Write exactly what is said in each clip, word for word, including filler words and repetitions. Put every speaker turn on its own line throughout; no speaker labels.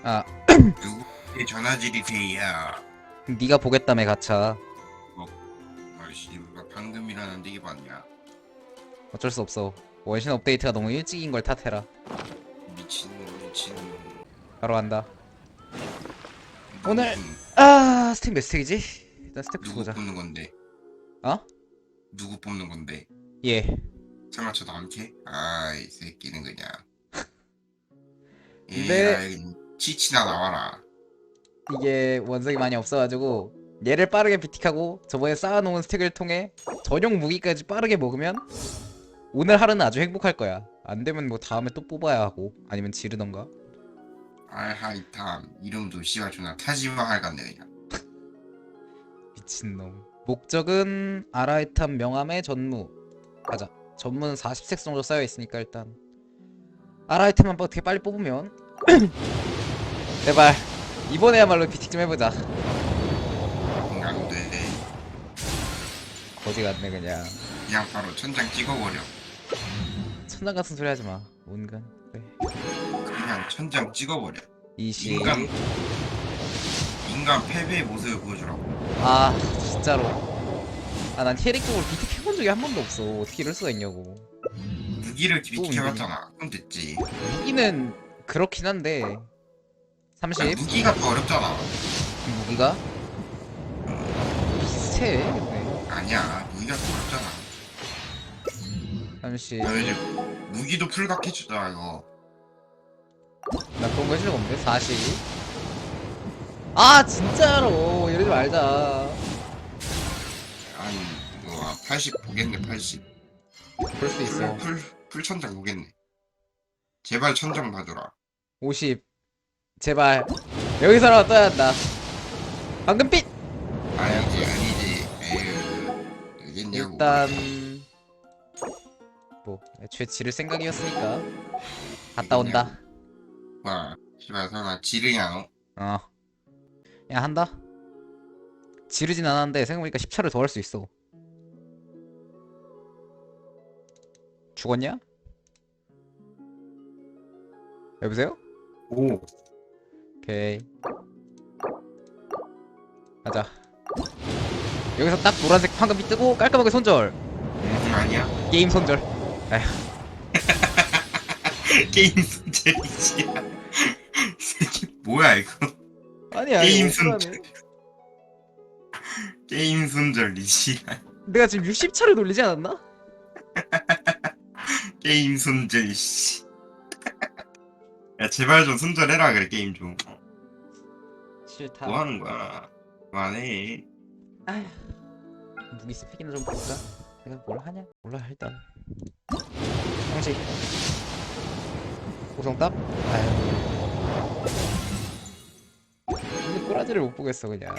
아,
누구의 전화질이세요?
네가 보겠다며 가차.
아이씨, 누가 방금 일어났는데 이게 맞냐?
어쩔 수 없어. 원신 업데이트가 너무 일찍인 걸 탓해라.
미친놈, 미친놈.
바로 한다.
누구
오늘
뽑는-
아 스택 몇 스택이지? 일단 스택부터
누구
보자.
뽑는 건데?
어?
누구 뽑는 건데?
예.
설마 저도 안 캐? 아이 새끼는 그냥.
근데-
에라이 치치나 나와라.
이게 원석이 많이 없어가지고 얘를 빠르게 비틱하고 저번에 쌓아놓은 스택을 통해 전용 무기까지 빠르게 먹으면 오늘 하루는 아주 행복할 거야. 안 되면 뭐 다음에 또 뽑아야 하고 아니면 지르던가.
알하이탐 이름도 씨발 존나 타지마할 같네 그냥.
미친놈. 목적은 아라이탐 명함의 전무. 가자. 전무는 사십 색 정도 쌓여있으니까 일단 아라이탐만 어떻게 빨리 뽑으면 제발 이번에야말로 비틱 좀 해보자.
안돼.
거지 같네 그냥.
그냥 바로 천장 찍어버려.
천장 같은 소리 하지마. 온간. 그래.
그냥 천장 찍어버려.
이십.
인간 인간 패배의 모습을 보여주라고.
아 진짜로. 아 난 캐릭터를 비틱 해본 적이 한 번도 없어. 어떻게 이럴 수가 있냐고.
무기를
또
비켜봤잖아. 그럼 됐지.
무기는 그렇긴 한데 삼십.
야, 무기가 더 어렵잖아.
무기가 비슷해. 근데
아니야, 무기가 더 어렵잖아.
삼십.
야, 이제 무기도 풀각해주자 이거.
나 그런 거 해줄 거 없는데? 사십. 아 진짜로 이러지 말자.
아니 이거 팔십 보겠네. 팔십.
볼 수 있어.
풀, 풀, 풀 천장 보겠네. 제발 천장 봐줘라.
오십. 제발 여기서라도 떠야 한다. 방금 핏.
아니지 아니지. 에휴 알겠냐고.
일단 뭐 애초에 지를 생각이었으니까 갔다 온다.
와 씨발 설마 지르냐 너?
어. 야 한다. 지르진 않았는데 생각해보니까 십 차를 더 할 수 있어. 죽었냐? 여보세요?
오.
오케이. 가자. 여기서 딱 노란색 황금이 뜨고 깔끔하게 손절.
음, 아니야.
게임 손절.
게임 손절이지. 새끼 뭐야 이거?
아니야.
게임
이거
손절.
억울하네.
게임 손절이지.
내가 지금 육십 차를 돌리지 않았나?
게임 손절 씨. 야 제발 좀 손절해라 그래 게임 좀.
싫다.
뭐 하는 거야? 그만해.
아휴. 무기 스펙이나 좀 볼까? 내가 뭘 하냐? 몰라 일단. 형식. 고성답? 아휴. 근데 꼬라지를 못 보겠어 그냥.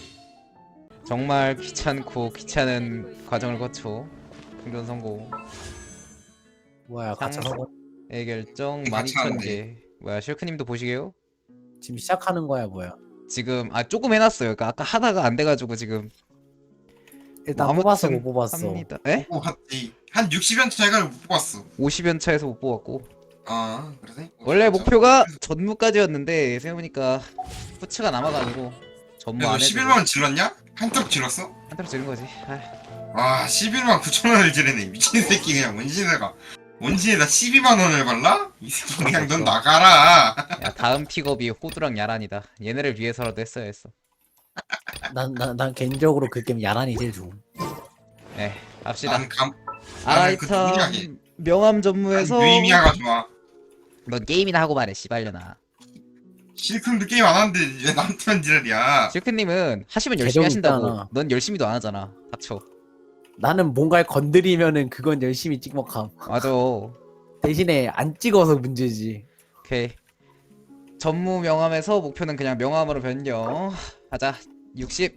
정말 귀찮고 귀찮은 과정을 거쳐 충전 성공.
뭐야 가차
상-
성공
의 결정
같이
만 이천
하는데.
개. 뭐야 실크님도 보시게요?
지금 시작하는 거야 뭐야?
지금 아 조금 해놨어요. 그러니까 아까 하다가 안 돼가지고 지금
일단
뭐
뽑았어
아무튼
못 뽑았어.
합니다. 에?
오, 한, 이- 한 육십 연 차이가 못 뽑았어.
오십 연차에서 못 뽑았고
아 그러네.
원래 목표가 전무까지였는데 생각해보니까 후츠가 남아가지고 전무 안
너
해도
십일만 원 질렀냐? 한턱 질렀어?
한 대로 지른 거지. 아휴.
와 십일만 구천 원을 지르네. 미친 새끼 그냥 원신에가 원신에다 십이만 원을 발라? 이 새끼 그냥 넌 나가라.
야 다음 픽업이 호두랑 야란이다. 얘네를 위해서라도 했어야 했어.
난난 난 개인적으로 그 게임 야란이 제일 좋음.
에 갑시다.
난 감. 나는 그 누구냐,
아라이탐
걔.
명함 전무에서
유이미아가 좋아.
넌 게임이나 하고 말해 씨발려나.
실크도 게임 안 하는데 왜 나한테만 지랄이야?
실크님은 하시면 열심히
재정
하신다고.
있잖아.
넌 열심히도 안 하잖아. 닥쳐.
나는 뭔가를 건드리면은 그건 열심히 찍먹함.
맞아.
대신에 안 찍어서 문제지.
오케이. 전무 명함에서 목표는 그냥 명함으로 변경. 가자. 육십.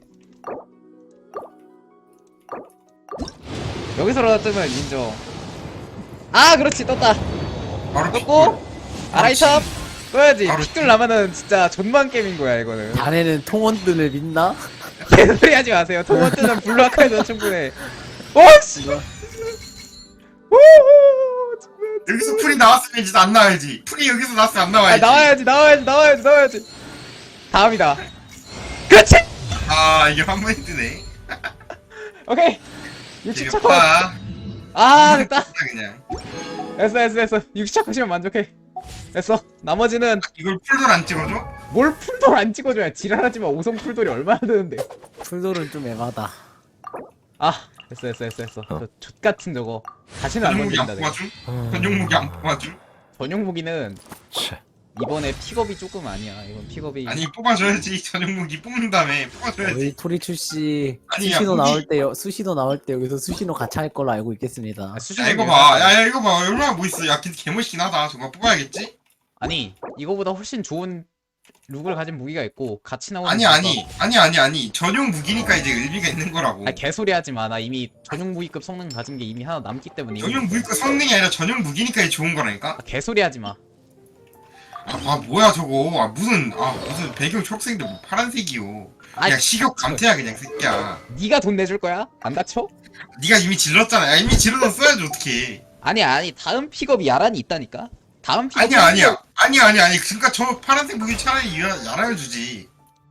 여기서라도 뜨면 인정. 아 그렇지 떴다.
바로
떴고 아라이탑 떠야지.
바로
픽들 나면은 진짜 존만 게임인 거야 이거는.
자네는 통원뜬을 믿나?
개소리 하지 마세요. 통원 뜨는 블루 아카이도 충분해. 오씨. 우후.
여기서 풀이 나왔으면 이제 안 나와야지. 풀이 여기서 나왔으면 안
아
나와야지.
나와야지 나와야지 나와야지 나와야지. 다음이다. 그렇지.
아 이게 한 번에 뜨네.
오케이. 육십 차 컷.
되겠다.
아 됐다.
그냥
됐어 됐어 됐어. 육십 차 컷이면 만족해. 됐어. 나머지는
이걸 풀돌 안 찍어줘?
뭘 풀돌 안 찍어줘야 지랄하지만 오성 풀돌이 얼마나 드는데.
풀돌은 좀 애마다.
아 됐어 됐어 됐어 됐어. 저 족같은 저거 다시는 안
전용 무기 안
건진다 내가.
뽑아줌? 전용 무기 안 뽑아줌?
전용 무기는 이번에 픽업이 조금 아니야. 이번 픽업이
아니 뽑아줘야지. 전용 무기 뽑는 다음에 뽑아줘야지.
저희 토리추 씨
아니, 야,
수시노
무기-
나올 때 수시노 나올 때 여기서 수시노 같이 할 걸로 알고 있겠습니다.
아,
야
수준이
이거 봐. 야, 야 이거 봐. 얼마나 뭐 있어. 야 근데 개멋있긴 하다. 저거 뽑아야겠지?
아니 이거보다 훨씬 좋은 룩을 가진 무기가 있고 같이 나오는
아니
무기가-
아니 아니 아니 아니 전용 무기니까 이제 의미가 있는 거라고.
아 개소리 하지 마. 나 이미 전용 무기급 성능 가진 게 이미 하나 남기 때문에 이거-
전용 무기가 성능이 아니라 전용 무기니까 이게 좋은 거라니까?
아, 개소리 하지 마.
아, 아 뭐야 저거. 아 무슨 아 무슨 배경 초록색인데 뭐 파란색이요.
아
야 식욕 감퇴야 그냥 새끼야.
네가 돈 내줄 거야? 안 다쳐?
네가 이미 질렀잖아. 야 이미 질러서 써야지 어떡해.
아니 아니 다음 픽업이 야란이 있다니까. 다음 픽업
아니야 아니야 아니야 아니야 아니 그러니까 저 파란색 무기 차라리 야- 야라여 주지.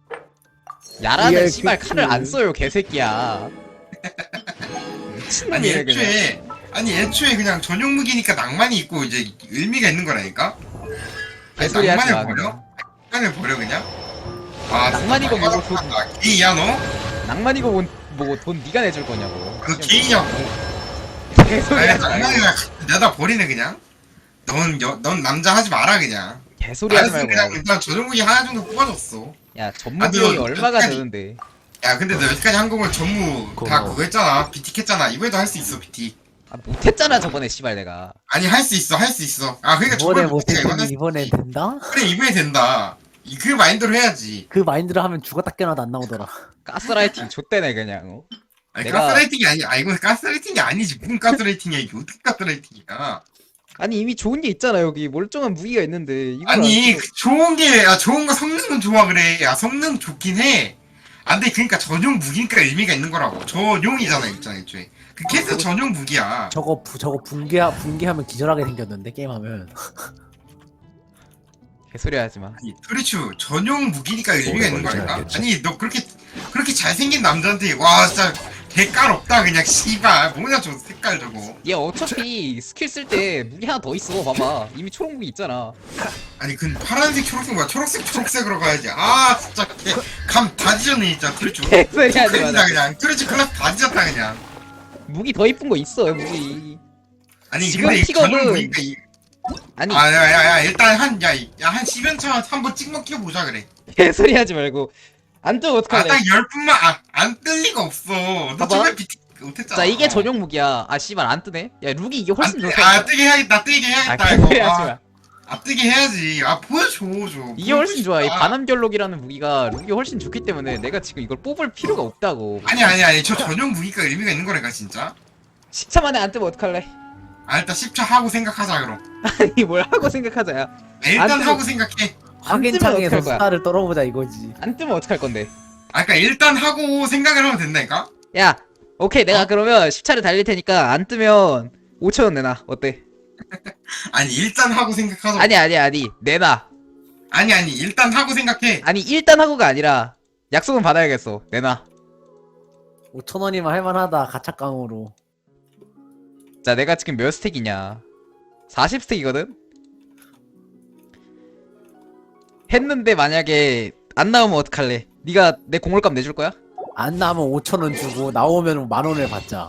야란은
리얼
씨발
픽스.
칼을 안 써요 개새끼야.
아니
미친놈이네 그냥.
애초에 아니 애초에 그냥 전용 무기니까 낭만이 있고 이제 의미가 있는 거라니까. 아니,
개소리 하지 마.
낭만을 버려?
그냥.
낭만을 버려 그냥? 아
낭만이고 뭐고 돈
아, 게이야 너?
낭만이고 뭔- 뭐고 돈 네가 내줄 거냐고.
그 게이냐고?
개소리
아니
하지 마.
낭만이야 내다 버리네 그냥. 넌, 여, 넌 남자 하지 마라 그냥.
개소리 하지
알았어,
말고.
그냥 일단 전용 무기 하나 정도 뽑아줬어.
야
아,
전무비용이
너-
얼마가
아니,
드는데.
야 근데 너 여기까지 한 거면 전무 다
고마워.
그거 했잖아. 비틱 했잖아. 이번에도 할 수 있어 비틱.
아 못했잖아 저번에 씨발 내가.
아니 할 수 있어 할 수 있어. 아 그러니까
이번에
저번에 비틱 이번에
못했더니 이번에 된다?
그래 이번에 된다. 이- 그 마인드로 해야지.
그 마인드로 하면 죽었다 깨어나도 안 나오더라.
가스라이팅 좆대네 그냥. 어?
아니
내가-
가스라이팅이 아니 아 이건 가스라이팅이 아니지. 무슨 가스라이팅이야 이게 어떻게 가스라이팅이야.
아니 이미 좋은 게 있잖아 여기 멀쩡한 무기가 있는데 이걸
아니
안
그 좋은 게 아 좋은 거 성능은 좋아 그래. 야 성능 좋긴 해. 안돼 그러니까 전용 무기니까 의미가 있는 거라고. 전용이잖아 있잖아 애초에. 그 캐스 전용 무기야.
저거 부, 저거 붕괴 붕괴하면 기절하게 생겼는데 게임하면.
개소리 하지 마.
아니 토리추 전용 무기니까 의미가 있는
뭔지
거니까.
알겠지.
아니 너 그렇게 그렇게 잘생긴 남자한테 와 진짜 대깔 없다 그냥 씨발 뭐냐 저 색깔 저거.
얘 어차피 스킬 쓸 때 무기 하나 더 있어 봐봐. 이미 초록 무기 있잖아.
아니 그 파란색 초록색 뭐야 초록색 초록색으로 가야지. 아 진짜 감다 뒤졌네 진짜 토리추.
개소리 하지 마.
큰일이다
나.
그냥 토리추 클래스 다 뒤졌다 그냥.
무기 더 이쁜 거 있어 무기.
아니
지금
근데 이
픽업은-
전용 무기니까 이
아니
아, 야, 야, 야, 일단 한, 야, 야, 한 십 연 차 한번 찍먹 켜보자, 그래.
개소리 하지 말고. 안 뜨면
아,
어떡할래?
딱 열 분만, 아, 안 뜰 리가 없어. 너
봐봐.
처음에 비트 못했잖아.
자 이게 전용 무기야. 아 씨발 안 뜨네. 야 룩이 이게 훨씬
안 뜨-
좋다.
아, 뜨게 해야겠다, 뜨게
아
해야겠다,
개소리
이거.
하지
아,
마.
아, 뜨게 해야지. 아, 보여줘, 줘.
이게 훨씬 좋아. 이
싶다.
반함결록이라는 무기가 룩이 훨씬 좋기 때문에 내가 지금 이걸 뽑을 필요가 없다고.
아니, 아니, 아니, 저 전용 무기가 의미가 있는 거라니까, 진짜.
십 차 만에 안 뜨면 어떡할래?
아, 일단 십 차 하고 생각하자, 그럼.
아니 뭘 하고 생각하자야.
아, 일단
안 뜨면-
하고 생각해.
확인창에서
어떡할 거야?
스타를 떨어보자 이거지.
안 뜨면 어떡할 건데?
아, 그니까 일단 하고 생각을 하면 된다니까?
야 오케이 내가
어?
그러면 십 차를 달릴 테니까 안 뜨면 오천 원 내놔. 어때?
아니, 일단 하고 생각하자.
아니 아니 아니 내놔.
아니, 아니, 일단 하고 생각해.
아니 일단 하고가 아니라 약속은 받아야겠어. 내놔.
오천 원이면 할만하다 가차깡으로.
자 내가 지금 몇 스택이냐? 사십 스택이거든? 했는데 만약에 안 나오면 어떡할래? 네가 내 공물값 내줄 거야?
안 나오면 오천 원 주고 나오면 만 원을 받자.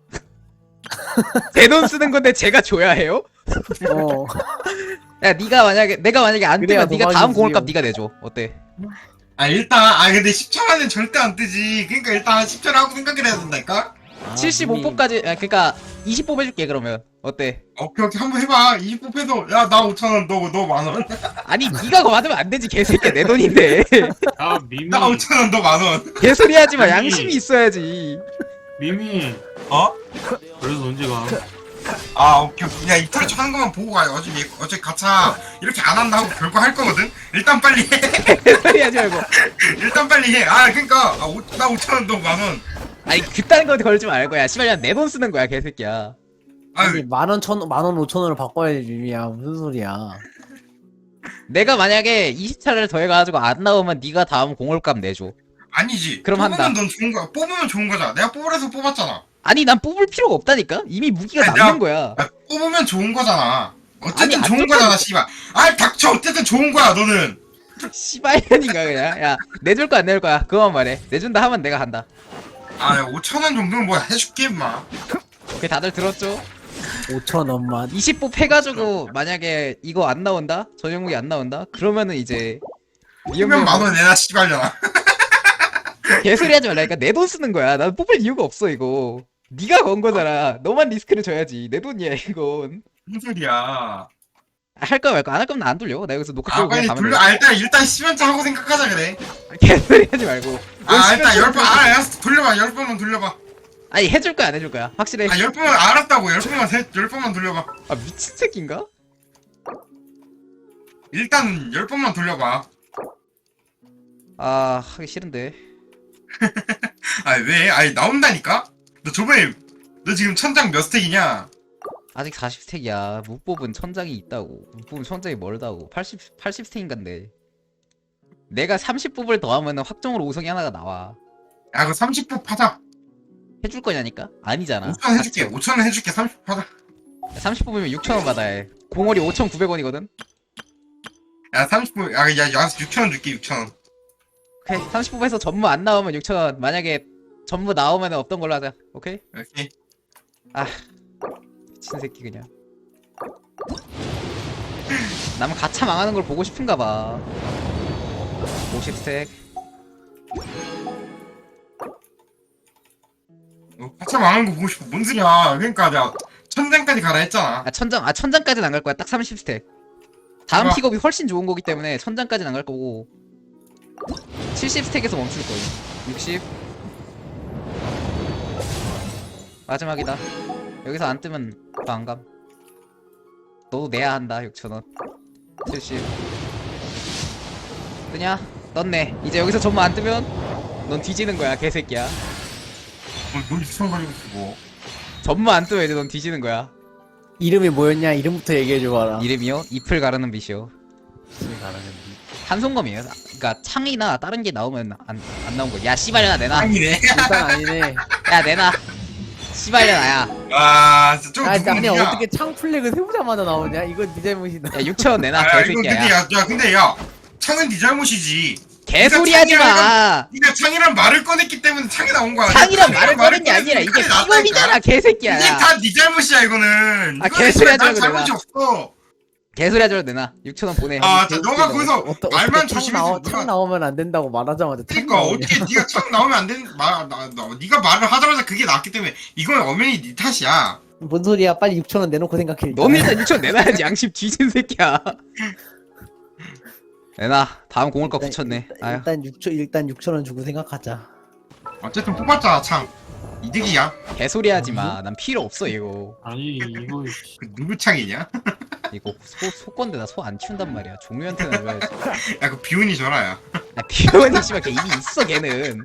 제 돈 쓰는 건데 제가 줘야 해요?
어.
야 네가 만약에 내가 만약에 안
그래야
뜨면 네가 다음
도박이지요.
공물값 네가 내줘. 어때?
아, 일단, 아, 근데 십 차만은 절대 안 뜨지. 그니까 일단 십 차를 하고 생각을 해야 된다니까?
아,
칠십오
이미-
뽑까지 아, 그러니까 이십 뽑 해줄게 그러면. 어때?
오케이 오케이 한번 해봐. 이십 뽑해서 야 나 오천 원, 너 너 만 원.
아니 네가 그거 받으면 안 되지 개새끼야 내 돈인데.
야 미미
나 오천 원, 너 만 원.
개소리 하지 마.
아니.
양심이 있어야지.
미미
어?
그래서 언제 가?
아 오케이 오케이. 야 이틀 하는 것만 보고 가요. 어차피 어차피 가차 이렇게 안 한다 하고 결과 할 거거든. 일단 빨리 해.
개소리 하지 말고.
일단 빨리 해. 아 그러니까 아, 오, 나 오천 원, 너 만 원.
아니 그딴 거 걸지 말고 야 씨발 그냥 내 돈 쓰는 거야 개새끼야.
아니
아유
만원 천 만원 오천 원을 바꿔야지 미미야 무슨 소리야.
내가 만약에 이십 차를 더해가지고 안 나오면 네가 다음 공홀값 내줘.
아니지.
그럼
뽑으면
한다.
넌 좋은 거야. 뽑으면 좋은 거잖아. 내가 뽑으래서 뽑았잖아.
아니 난 뽑을 필요가 없다니까. 이미 무기가
아니,
남는
내가-
거야.
야, 뽑으면 좋은 거잖아.
아니,
어쨌든
안
좋은
좋다니까.
거잖아, 씨발. 아이 닥쳐. 어쨌든 좋은 거야, 너는.
씨발년인가 그냥. 야 내줄 거야 안 내줄 거야. 그만 말해. 내준다 하면 내가 한다.
아, 오천 원 정도는 뭐 해줄게, 임마.
오케이 다들 들었죠?
오천 원만.
이십 뽑 해가지고 만약에 이거 안 나온다? 전용 무기 안 나온다? 그러면은 이제
그러면 만원 내놔, 씨발려나.
개소리 하지 말라니까. 내 돈 쓰는 거야. 난 뽑을 이유가 없어 이거. 네가 건 거잖아. 너만 리스크를 져야지. 내 돈이야 이건.
무슨 소리야.
할 거야 말거 안 할 거면 나 안 돌려. 나 여기서 녹화
아,
끄고
빨리
그냥 가면
돌려.
돼.
아, 일단, 일단 십연차 하고 생각하자, 그래.
개소리 하지 말고.
아, 일단
열
열 번, 아, 알았어. 돌려봐. 열 번만 돌려봐.
아니 해줄 거야 안 해줄 거야. 확실해.
아, 열 번만, 알았다고. 열 번만, 세, 열 번만 돌려봐.
아 미친 새끼인가?
일단, 열 번만 돌려봐.
아 하기 싫은데.
아, 왜? 아니, 나온다니까? 너 저번에, 너 지금 천장 몇 스택이냐?
아직 사십 스택이야. 못 뽑은 천장이 있다고. 못 뽑은 천장이 멀다고. 팔십, 팔십 스택인간데. 내가 삼십 뽑을 더하면은 확정으로 오성이 하나가 나와.
야, 그 삼십 분 파자.
해줄 거냐니까? 아니잖아.
오천 원 해줄게. 오천 원 해줄게. 삼십 분 파자.
삼십 뽑으면 육천 원 받아야 해. 공월이 오천구백 원이거든?
야, 삼십 분, 아, 야, 야, 육천 원 줄게, 육천 원.
오케이. 삼십 뽑에서 전부 안 나오면 육천 원. 만약에 전부 나오면 없던 걸로 하자. 오케이?
오케이.
미친 새끼 그냥. 남은 가차 망하는 걸 보고 싶은가 봐. 오십 스택.
어, 파차 망한 거 보고 싶어. 뭔 소리야. 그러니까 내가 천장까지 가라 했잖아.
아 천장 아 천장까지는 안 갈 거야. 딱 삼십 스택. 다음
아.
픽업이 훨씬 좋은 거기 때문에 천장까지는 안 갈 거고 칠십 스택에서 멈출 거예요. 육십. 마지막이다. 여기서 안 뜨면 또 안 감. 너도 내야 한다. 육천 원. 칠십. 뜨냐? 떴네. 이제 여기서 전부 안 뜨면 넌 뒤지는 거야, 개새끼야.
어, 너 이상가지고 쓰고.
전부 안 뜨면 이제 넌 뒤지는 거야.
이름이 뭐였냐? 이름부터 얘기해 줘봐라.
이름이요? 잎을 가르는 빛이요. 한송검이에요. 그러니까 창이나 다른 게 나오면 안, 안 나온 거. 야 씨발려나 내놔.
아니네.
일단 아니네.
야 내놔. 씨발려나야.
아, 진짜 좀
아, 아니
누구냐?
어떻게 창 플래그 세우자마자 나오냐? 이건 네 잘못이다.
야 육천 원 내놔
아, 이건 근데
개새끼야. 야.
야, 야, 근데 야, 창은 네 잘못이지.
개소리 하지 마.
네가 창이란 말을 꺼냈기 때문에 창이 나온 거야.
창이란
내가
말을 꺼낸 게
꺼냈으면
아니라 이게
창이 나왔다니까.
픽업이잖아 개새끼야.
이게
야.
다 네 잘못이야 이거는.
아,
이거는
개소리 하지
난
말고
잘못이
내가.
없어.
개소리 하지 말고 내놔. 육천 원 보내.
아, 자, 너가 거기서
어떠,
말만
어떻게 창,
조심해서
나오,
누가-
창 나오면 안 된다고 말하자마자 창
그러니까
나오냐?
어떻게 네가 창 나오면 안 되는 말, 나, 나, 네가 말을 하자마자 그게 나왔기 때문에 이건 엄연히 네 탓이야.
뭔 소리야? 빨리 육천 원 내놓고 생각해.
너는 일단 육천 원 내놔야지. 양심 뒤진 새끼야. 내놔. 다음 공을값 붙였네. 아유.
일단 육천 일단 육천 원 주고 생각하자.
어쨌든 뽑았잖아 창. 이득이야.
개소리 하지 마. 난 필요 없어 이거.
아니 이거
그 누구 창이냐?
이거 소 소건데 나 소 안 키운단 말이야. 종류한테는 줘야지.
야 그 비운이 줘라 야.
야 비원이 씨발 걔 이미 있어 걔는.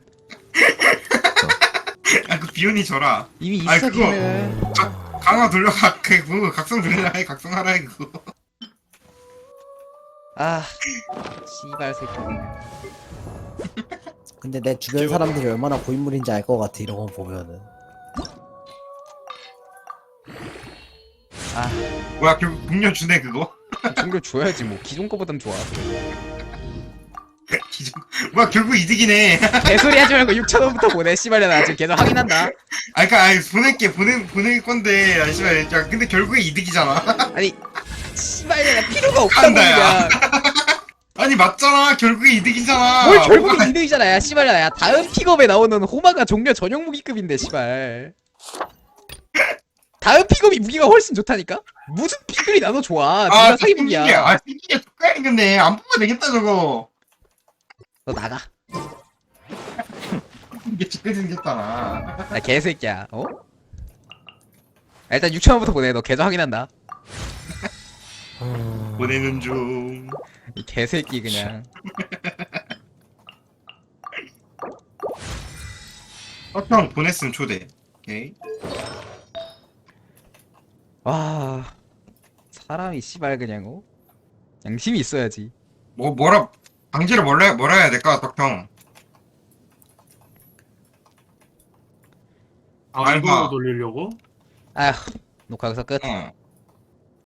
야 그 비운이 줘라.
이미 있어
아이, 그거-
걔는.
각, 강화 돌려가 그거 각성 돌려라 해 각성하라 해 그거.
아 씨발 새끼.
근데 내 주변 사람들이 얼마나 고인물인지 알 것 같아 이런 거 보면은.
아
뭐야 결국 국년 주네 그거?
종료 줘야지 뭐. 기존 거보단 좋아.
기존 뭐야 결국 이득이네.
개소리 하지 말고 육천 원부터 보내. 씨발야 나 지금 계속 확인한다.
아 그니까 아니 보낼게 보내 보낼 건데 아 씨발 야 근데 결국에 이득이잖아.
아니 씨발야 나 필요가 없다고
간다, 야.
그냥.
아니 맞잖아 결국에 이득이잖아.
뭘 결국에
뭐가-
이득이잖아. 야 씨발야 야 다음 픽업에 나오는 호마가 종료 전용 무기급인데 씨발. 다음 픽업이 무기가 훨씬 좋다니까? 무슨 픽업이 나도 좋아.
아
누가 사기 무기야.
생기게 아 생기게 똑같이 근데 안 뽑아도 되겠다 저거.
너 나가.
이게 죽게 생겼잖아.
야 개새끼야. 어? 야, 일단 육천 원부터 보내. 너 계좌 확인한다.
보내는 중.
이 개새끼 그냥.
어, 형 보냈으면 초대. 오케이.
와 사람이 씨발 그냥 어? 양심이 있어야지.
뭐 뭐라 방지를 뭐라 뭐라 해야 될까 덕형.
아
알바.
이걸로 돌리려고?
아휴 녹화 여기서 끝.
어.